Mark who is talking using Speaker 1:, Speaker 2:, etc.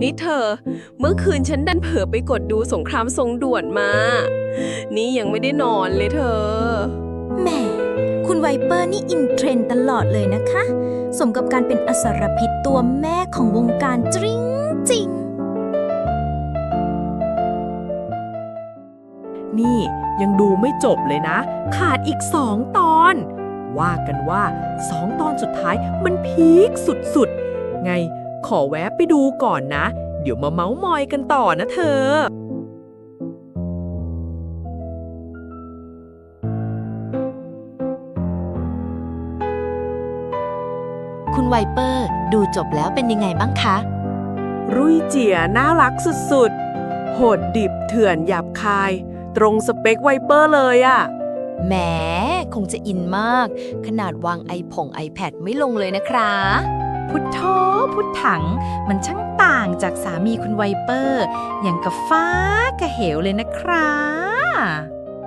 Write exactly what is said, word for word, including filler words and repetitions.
Speaker 1: นี่เธอ เมื่อคืนฉันดันเผลอไปกดดูสงครามทรงด่วนมา นี่ยังไม่ได้นอนเลยเธอ
Speaker 2: แหมคุณไวเปอร์นี่อินเทรนด์ตลอดเลยนะคะ สมกับการเป็นอสรพิษตัวแม่ของวงการจริงจริง
Speaker 3: นี่ยังดูไม่จบเลยนะ ขาดอีกสองตอน ว่ากันว่าสองตอนสุดท้ายมันพีคสุดๆ ไงขอแวะไปดูก่อนนะ เดี๋ยวมาเม้าท์มอยกันต่อนะเธอ
Speaker 4: คุณไวเปอร์ดูจบแล้วเป็นยังไงบ้างคะ
Speaker 1: รุ่ยเจียน่ารักสุดๆ โหดดิบเถื่อนหยาบคาย ตรงสเปคไวเปอร์เลยอะ
Speaker 4: แหมคงจะอินมาก ขนาดวางไอผง iPad ไม่ลงเลยนะครับ
Speaker 5: พุทโธพุทถัง มันช่างต่างจากสามีคุณไวเปอร์ อย่างกับฟ้ากับเหวเลยนะครับ